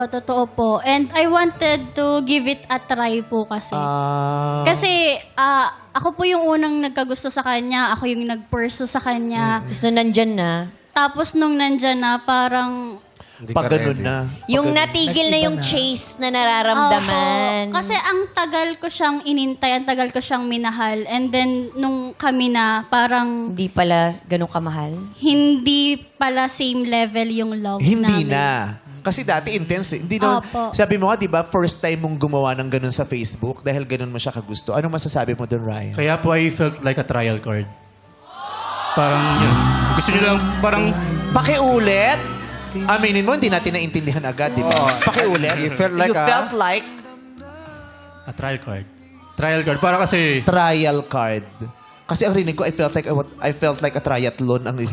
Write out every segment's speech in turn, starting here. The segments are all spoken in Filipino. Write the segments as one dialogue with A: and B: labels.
A: Totoo po. And I wanted to give it a try po kasi. Kasi ako po yung unang nagkagusto sa kanya. Ako yung nag-pursue sa kanya.
B: Tapos nung nandyan na,
A: Tapos nung nandyan na, parang...
C: Pag ganun na.
B: yung natigil na yung chase na nararamdaman.
A: Opo. Kasi ang tagal ko siyang inintay, ang tagal ko siyang minahal. And then, nung kami na, parang
B: Hindi pala ganun kamahal.
A: hindi pala same level yung love
C: Hindi
A: namin.
C: na. Kasi dati intense. Hindi naman,
A: Opo.
C: sabi mo nga, di ba, first time mong gumawa ng ganun sa Facebook dahil ganun mo siya kagusto. Ano masasabi mo doon, Ryan?
D: Kaya po I felt like a trial card. Parang yun. Gusto nyo lang parang
C: Pakiulit. Aminin mo, hindi natin naintindihan agad, di ba? Pakiulit.
E: You felt like
C: You felt like
D: a trial card. Trial card. Para kasi
C: trial card. Kasi ang rinig ko, I felt like a triathlon. Ang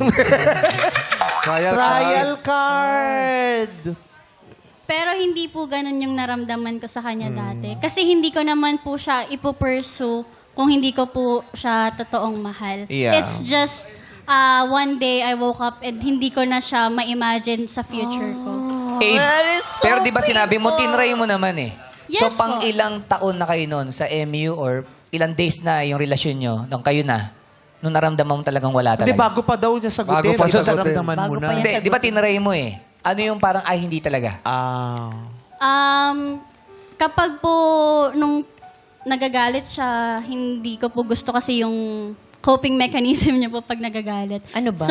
C: trial card.
A: Pero hindi po ganun yung naramdaman ko sa kanya dati. Kasi hindi ko naman po siya ipupursue kung hindi ko po siya totoong mahal.
C: Yeah.
A: It's just one day I woke up and hindi ko na siya ma-imagine sa future ko.
F: Eh,
B: That is so
F: pero di ba sinabi mo,
B: painful.
F: tinry mo naman eh.
A: Yes
F: so, pang
A: po.
F: ilang taon na kayo noon sa MU or ilang days na yung relasyon nyo nung kayo na? Nung naramdaman mo talagang wala
C: Hindi,
F: talaga?
C: bago pa daw niya sagutin.
E: Bago pa
C: Ito
E: sagutin.
C: naramdaman mo
B: Bago
C: na.
B: pa yan.
F: Hindi, di ba tinry mo eh? Ano yung parang, ay, hindi talaga?
A: Kapag po nung nagagalit siya, hindi ko po gusto kasi yung coping mechanism niya po pag nagagalit.
B: Ano ba?
A: So,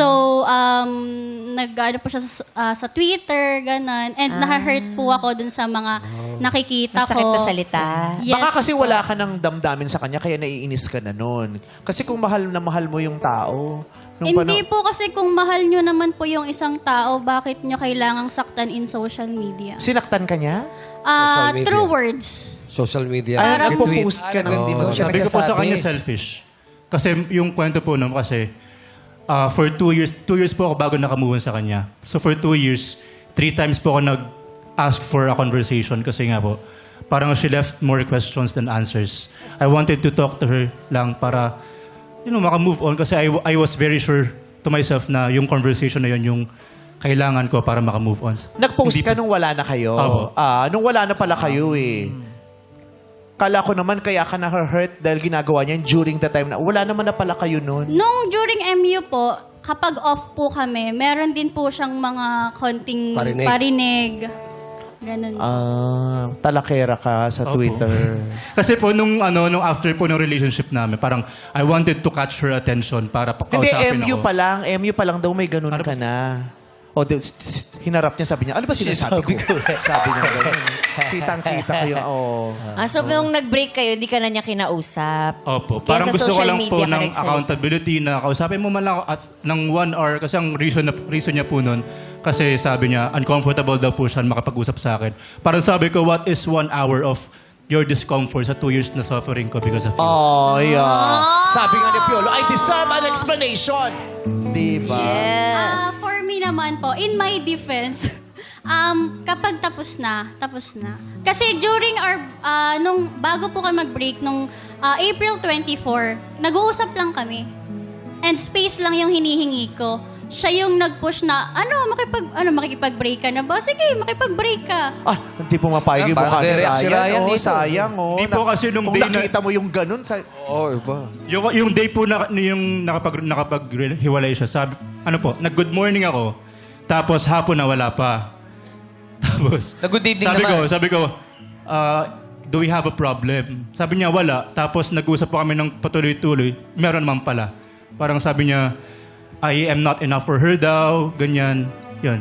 A: nag-ano po siya sa Twitter, ganon. And naha-hurt po ako dun sa mga nakikita
B: Masakit
A: ko.
B: na salita.
A: Yes
C: Baka kasi
A: po.
C: wala ka ng damdamin sa kanya, kaya naiinis ka na nun. Kasi kung mahal na mahal mo yung tao, nung
A: Hindi po kasi kung mahal nyo naman po yung isang tao, bakit nyo kailangang saktan in social media?
C: Sinaktan ka niya?
E: Social media.
A: Through words.
E: Social media.
C: Ay,
A: Parang-
C: nagpo-post ka ng
F: Hindi mo siya
D: sabi ko po sa
F: nagsasabi.
D: kanya selfish. Kasi yung kwento po nun, kasi for 2 years po ako bago nakamove on sa kanya. So for 2 years, 3 times po ako nag-ask for a conversation kasi nga po, parang she left more questions than answers. I wanted to talk to her lang para, makamove on kasi I was very sure to myself na yung conversation na yun yung kailangan ko para makamove on.
C: Nag-post
D: Hindi
C: ka
D: po-
C: nung wala na kayo.
D: Opo.
C: Nung wala na pala kayo eh. Kala ko naman kaya ka na-hurt dahil ginagawa niya during the time na wala naman na pala kayo nun.
A: Nung during MU po, kapag off po kami, meron din po siyang mga konting
E: Parinig.
A: parinig. Ganun.
C: Talakera ka sa
D: Opo.
C: Twitter.
D: Kasi po nung after po ng relationship namin, parang I wanted to catch her attention para
C: Hindi,
D: pakausapin
C: MU
D: ako.
C: pa lang. MU pa lang daw may ganun
D: Ano
C: ka
D: ba?
C: na. O, hinarap niya, sabi niya, ano ba sinasabi ko? Sabi niya ganun. Kitang-kita ko yung,
B: So nung nag-break kayo, hindi ka na niya kinausap.
D: Opo.
B: Kaya
D: Parang
B: sa
D: gusto ko
B: social
D: lang po
B: media ka
D: ng
B: nagsalita.
D: accountability na kausapin mo man lang ako at ng 1 hour kasi ang reason niya po nun kasi sabi niya uncomfortable daw po siya makapag-usap sa akin. Parang sabi ko, what is 1 hour of your discomfort sa 2 years na suffering ko because of you?
C: Oh, yeah. Sabi nga ni Piolo, I deserve an explanation. Diba?
B: Yes.
A: For me naman po, in my defense, kapag tapos na. Kasi during nung bago po kami mag-break, nung April 24, nag-uusap lang kami. And space lang yung hinihingi ko. Siya yung nag-push na, makikipag-break ka na ba? Sige, makipag-break ka.
C: Hindi pumapayag yung
F: Parang
C: mukha ni
F: nagre-react si
C: Ryan.
F: Ryan
C: Oh,
F: dito.
C: sayang, oh.
D: Di po kasi nung
C: kung
D: day na-
C: nakita mo yung ganun,
E: Oo, iba.
D: Yung day po na yung nakapaghiwalay siya, sabi, nag-good morning ako. Tapos hapon na wala pa. Tapos,
F: Nag-good evening naman.
D: Sabi ko, do we have a problem? Sabi niya, wala. Tapos nag-usap po kami ng patuloy-tuloy. Meron naman pala. Parang sabi niya, I am not enough for her daw. Ganyan. Yun.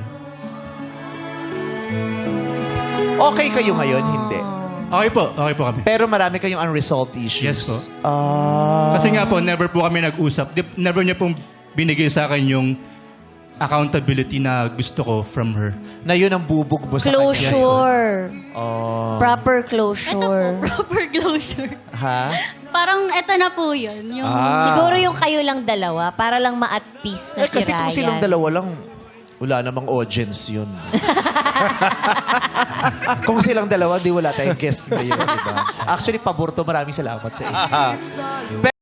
C: okay kayo ngayon, hindi.
D: Okay po kami.
C: Pero marami kayong unresolved issues.
D: Yes po.
C: Ah.
D: Kasi nga po, never po kami nag-usap. Never niya pong binigay sa akin yung accountability na gusto ko from her.
C: Na yun ang bubog mo sa kanya.
B: Closure.
C: Oh.
B: Proper
A: Ito
B: closure.
A: po, proper closure.
C: Ha?
A: Parang eto na po yun. Yung,
B: Siguro yung kayo lang dalawa para lang ma-at peace na si
C: Kasi kung
B: Ryan.
C: silang dalawa lang, wala namang audience yun. Kung silang dalawa, di wala tayong guest ngayon, di ba? Actually, pabor to. Maraming salamat sa inyo.